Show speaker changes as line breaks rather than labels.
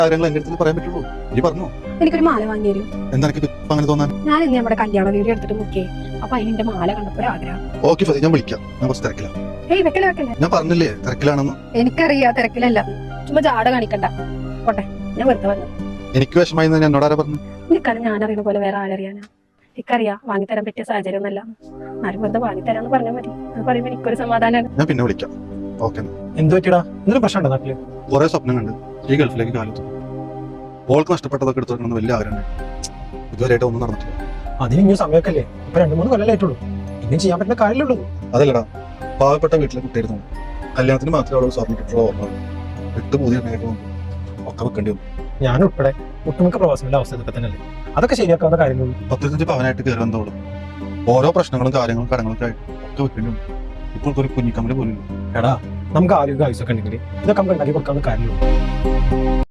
കാര്യങ്ങൾ എന്റെ അടുത്ത് പറയാൻ പറ്റുള്ളൂ. നീ പറഞ്ഞോ.
എനിക്കൊരു മാല വാങ്ങി തരും.
എന്താ എനിക്ക് അങ്ങനെ തോന്നാൻ?
ഞാൻ ഇന്ന് നമ്മുടെ കല്യാണ വീഡിയോ എടുത്തിട്ട് നോക്കിയേ. അപ്പൊ അതിന്റെ മാല കണ്ടപ്പോ ആഗ്രഹം.
ഓക്കെ ഫതി, ഞാൻ വിളിക്കാം. ഞാൻ കുറച്ച് തിരക്കിലാണ്.
ഏയ് വെക്കല്ലേ വെക്കല്ലേ.
ഞാൻ പറഞ്ഞില്ലേ തിരക്കിലാണെന്ന്.
എനിക്കറിയാം തിരക്കിലല്ല. ചുമ്മാ ജാട കാണിക്കണ്ട. പോട്ടെ, ഞാൻ വെറുതെ വന്നു.
എനിക്ക് വിഷമായി എന്നോട് ആരാ പറഞ്ഞു?
എനിക്കറിയാം, ഞാൻ അറിയുന്ന പോലെ വേറെ ആരറിയാനാ. എനിക്കറിയാം വാങ്ങിത്തരാൻ പറ്റിയ സാഹചര്യം ഒന്നല്ല. ആരും വെറുതെ വാങ്ങിത്തരാന്ന് പറഞ്ഞാൽ മതി. അത് പറയുമ്പോ എനിക്കൊരു സമാധാനമാണ്.
ഞാൻ പിന്നെ വിളിക്കാം. ഓക്കെ.
എന്ത് പറ്റിയടാ? എന്തൊരു പ്രശ്നമുണ്ടോ നാട്ടില്?
കുറെ സ്വപ്നം കണ്ട് ഈ ഗൾഫിലേക്ക് കാലത്തു ഓൾക്ക് നഷ്ടപ്പെട്ടതൊക്കെ എടുത്തു വലിയ ആഗ്രഹം. ഇതുവരെയായിട്ട് ഒന്നും നടന്നിട്ടില്ല.
അതിന് ഇനി സമയമൊക്കെ അല്ലേ? ഇപ്പൊ 2-3 കൊല്ലമായിട്ടുള്ളൂ. ഇനിയും ചെയ്യാൻ പറ്റുന്ന കാര്യമുള്ളൂ.
അതല്ലടാ, പാവപ്പെട്ട വീട്ടിലെ കുട്ടിയായിരുന്നു. കല്യാണത്തിന് മാത്രമേ അവള് സ്വർണ്ണം കിട്ടുള്ള ഓർമ്മ. 8 പൂതി ഒക്കെ വെക്കേണ്ടി വന്നു.
ഞാൻ ഉൾപ്പെടെ ഒട്ടുമിക്ക പ്രവാസികളുടെ അവസ്ഥ ഇതൊക്കെ തന്നെയല്ലേ. അതൊക്കെ ശരിയാക്കാവുന്ന കാര്യങ്ങളുള്ളൂ.
15 പവനായിട്ട് കയറി വന്നോളും. ഓരോ പ്രശ്നങ്ങളും കാര്യങ്ങളും കടങ്ങളൊക്കെ ആയിട്ട് ഒക്കെ വെക്കേണ്ടി വന്നു. ഇപ്പോൾ ഒരു കുഞ്ഞിക്കമ്മല് പോലും.
എടാ, നമുക്ക് ആരോഗ്യ ആയുസൊക്കെ ഉണ്ടെങ്കിൽ ഇതൊക്കെ നമുക്ക് ഉണ്ടാക്കി കൊടുക്കാവുന്ന കാര്യമുള്ളൂ.